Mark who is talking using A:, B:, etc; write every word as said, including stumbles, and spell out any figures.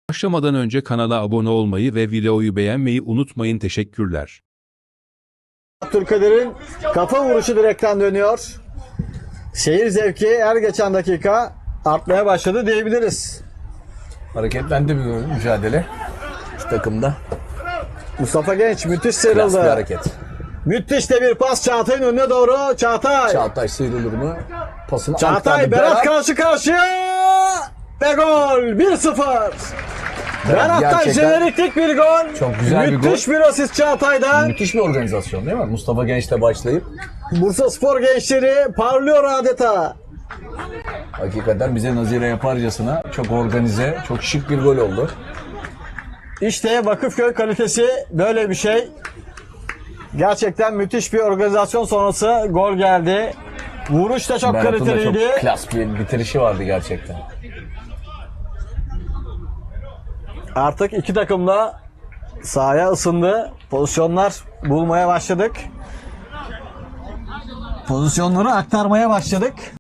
A: Başlamadan önce kanala abone olmayı ve videoyu beğenmeyi unutmayın. Teşekkürler.
B: Abdülkadir'in kafa vuruşu direkten dönüyor. Şehir zevki her geçen dakika artmaya başladı diyebiliriz.
C: Hareketlendi bir mücadele iki takımda.
B: Mustafa Genç müthiş
C: Klas bir
B: sıyrıldı.
C: hareket.
B: Müthiş de bir pas Çağatay'ın önüne doğru. Çağatay.
C: Çağatay sıyrılır mı? Pasını
B: Çağatay
C: aktardı.
B: Berat karşı karşıya. Ve gol bir sıfır. Berat'tan
C: gerçekten
B: jeneriklik bir gol.
C: çok güzel bir
B: Müthiş bir asist Çağatay'dan.
C: Müthiş bir organizasyon değil mi? Mustafa Genç'le başlayıp
B: Bursa Spor gençleri parlıyor adeta.
C: hakikaten bize nazire yaparcasına çok organize, çok şık bir gol oldu.
B: İşte Vakıfköy kalitesi böyle bir şey. Gerçekten müthiş bir organizasyon sonrası gol geldi. Vuruş da çok
C: Berat'ın da
B: kaliteliydi.
C: çok klas bir bitirişi vardı gerçekten.
B: Artık iki takım da sahaya ısındı. Pozisyonlar bulmaya başladık. Pozisyonları aktarmaya başladık.